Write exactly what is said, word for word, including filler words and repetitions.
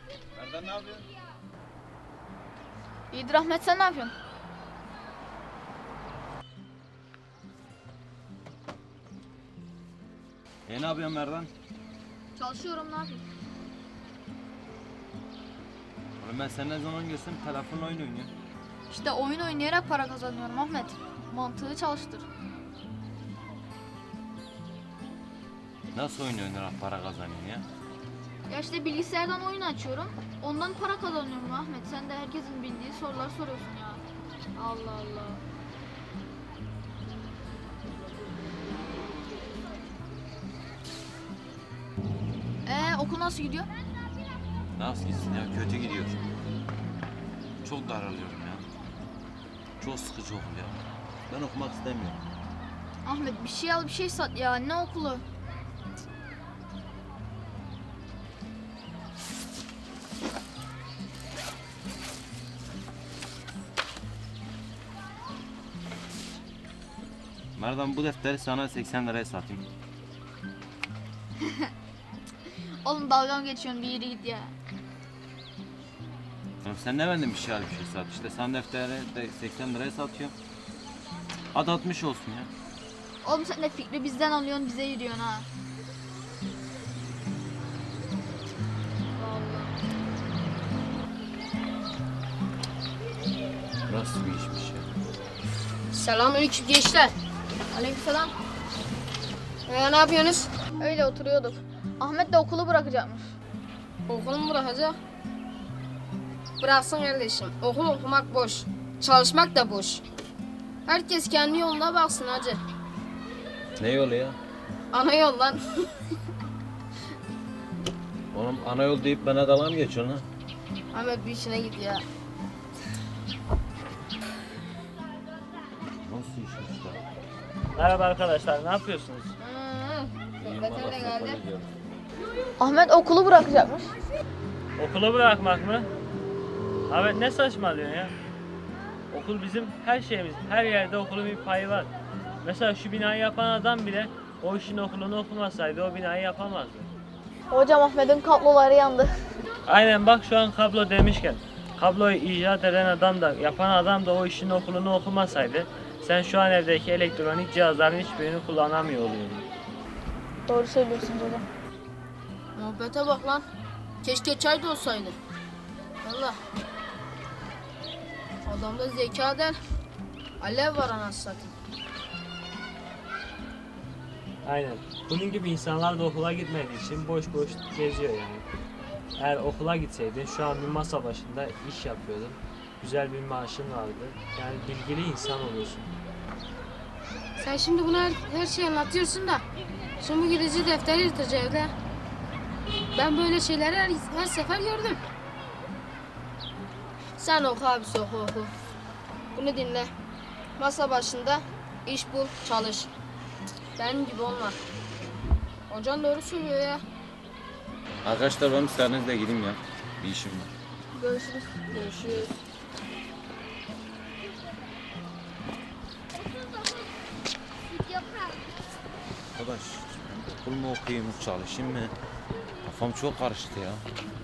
Merdan ne yapıyorsun? İyidir Ahmet, sen ne yapıyorsun? E ne yapıyorsun Merdan? Çalışıyorum, ne yapayım? Oğlum ben seni ne zaman görsem telefonla oyun oynuyor. İşte oyun oynayarak para kazanıyorum Ahmet. Mantığı çalıştır. Nasıl oyun oynayarak para kazanıyorsun ya? Ya işte bilgisayardan oyun açıyorum. Ondan para kazanıyorum Ahmet. Sen de herkesin bildiği sorular soruyorsun ya. Allah Allah. Ee okul nasıl gidiyor? Nasıl gitsin ya? Kötü gidiyor. Çok daralıyorum ya. Çok sıkıcı okul ya. Ben okumak istemiyorum. Ahmet bir şey al bir şey sat ya. Ne okulu? Merdan bu defteri sana seksen liraya satayım. Oğlum dalga mı geçiyorsun, bir yere git ya. Oğlum sen ne benden bir şey al bir şey sat. İşte sen defteri de seksen liraya satıyorum. Hadi altmış olsun ya. Oğlum sen de fikri bizden alıyorsun, bize yürüyorsun ha. Nasıl bir işmiş ya? Selamünaleyküm gençler. Aleykümselam. Ee, ne yapıyorsunuz? Öyle oturuyorduk. Ahmet de okulu bırakacakmış. Okulu mu bırakacak? Bıraksın kardeşim. Okul okumak boş. Çalışmak da boş. Herkes kendi yoluna baksın hacı. Ne yolu ya? Ana yol lan. Oğlum ana yol deyip bana dalga mı geçiyorsun ha? Ahmet bir işine git ya. Nasıl işmiş ya? Merhaba arkadaşlar, ne yapıyorsunuz? Hmm. Sohbete de geldi. Ahmet okulu bırakacakmış. Okulu bırakmak mı? Ahmet ne saçmalıyorsun ya? Okul bizim her şeyimiz. Her yerde okulun bir payı var. Mesela şu binayı yapan adam bile o işin okulunu okumasaydı o binayı yapamazdı. Hocam Ahmet'in kabloları yandı. Aynen bak şu an kablo demişken. Kabloyu icat eden adam da yapan adam da o işin okulunu okumasaydı sen şu an evdeki elektronik cihazların hiçbirini kullanamıyor oluyordun. Doğru söylüyorsunuz hocam. Muhabbete bak lan. Keşke çay da olsaydı. Valla. Adamda zeka der. Alev var anasını satayım. Aynen. Bunun gibi insanlar da okula gitmediği için boş boş geziyor yani. Eğer okula gitseydin şu an bir masa başında iş yapıyordun. Güzel bir maaşın vardı. Yani bilgili insan oluyorsun. Sen şimdi bunu her, her şeyi anlatıyorsun da şimdi gideceği defteri yırtacak evde. Ben böyle şeyleri her, her sefer gördüm. Sen oku abisi oku oku. Bunu dinle. Masa başında iş bul, çalış. Benim gibi olma. Hocan doğru söylüyor ya. Arkadaşlar ben müsaadenizle gideyim ya. Bir işim var. Görüşürüz. Görüşürüz. Arkadaş okul mu okuyayım çalışayım mı? Kafam çok karıştı ya.